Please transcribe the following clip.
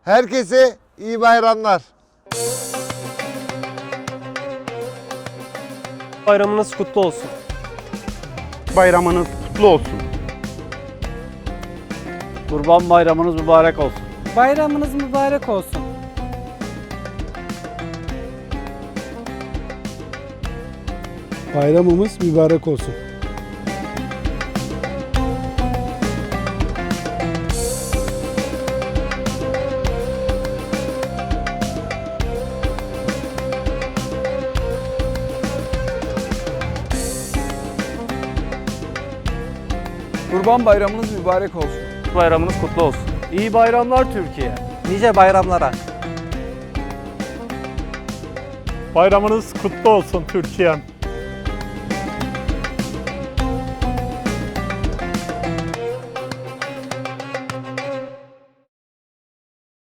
Herkese iyi bayramlar. Bayramınız kutlu olsun. Bayramınız kutlu olsun. Kurban Bayramınız mübarek olsun. Bayramınız mübarek olsun. Bayramımız mübarek olsun. Kurban Bayramınız mübarek olsun. Bayramınız kutlu olsun. İyi bayramlar Türkiye. Nice bayramlara. Bayramınız kutlu olsun Türkiye'm.